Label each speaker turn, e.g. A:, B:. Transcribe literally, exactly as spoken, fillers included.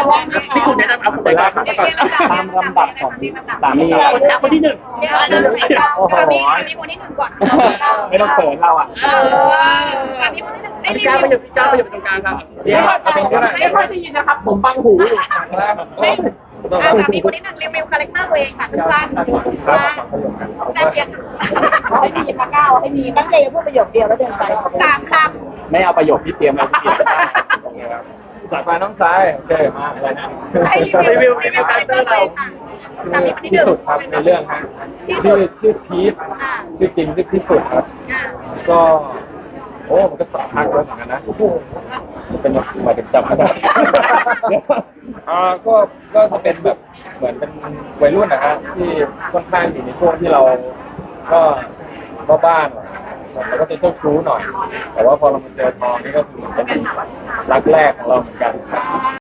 A: พี่คุณแนะนำเอาคนไหนก่อนก่อน
B: ตามลำดับของสามี
A: คนคนที่หนึ่ง
B: โอ้โห
C: มีคนที่หนึ่งก่อน
B: ไม่ต้องเขินเราอ่ะ
C: เออมีคนที่หนึ่งได้
A: พี่
C: รี
A: จ้า
C: วิ
A: ไปอยู่พี่จ้าไปอยู่ตรงกลางครับ
B: ไม่ค่อยไม่ค่อยได้ยินนะครับ ผมฟังหูอยู่
C: มีคนที่หนึ่งรีวิวคาแรคเตอร์ตัวเองค่ะสั้นๆแต่เพียง
D: ให้มีมาเก้าให้มีตั้งใจจะพูดประโยคเดียวแล้วเดินไป
C: สามค
B: ไม่เอาประโยคที่เตรียมมาเตรียม
E: สายฟ้าน้องซ้ายโอเคมาอะไรนะ
C: ำให้รีวิวรีวิวคาแรคเตอร์ตัวเองค่ะสามีคนที่ห
E: ที่
C: นึ่ง
E: สุดครับในเรื่องฮะชื่อชื่อพีทชื่อจริงชื่อที่สุดครับ ก็ โอ้มันก็สักพักแล้วเหมือนกันนะเป็นหมายถึงจำไม่ได้อ่าก็ก็จะเป็นแบบเหมือนเป็นวัยรุ่นนะฮะที่ค่อนข้างอยู่ในช่วงที่เราก็บ้าๆหน่อยแล้วก็จะเจ้าชู้หน่อย แต่ว่าพอเรามาเจอทองนี่ก็คือเป็นรักแรกของเราเหมือนกัน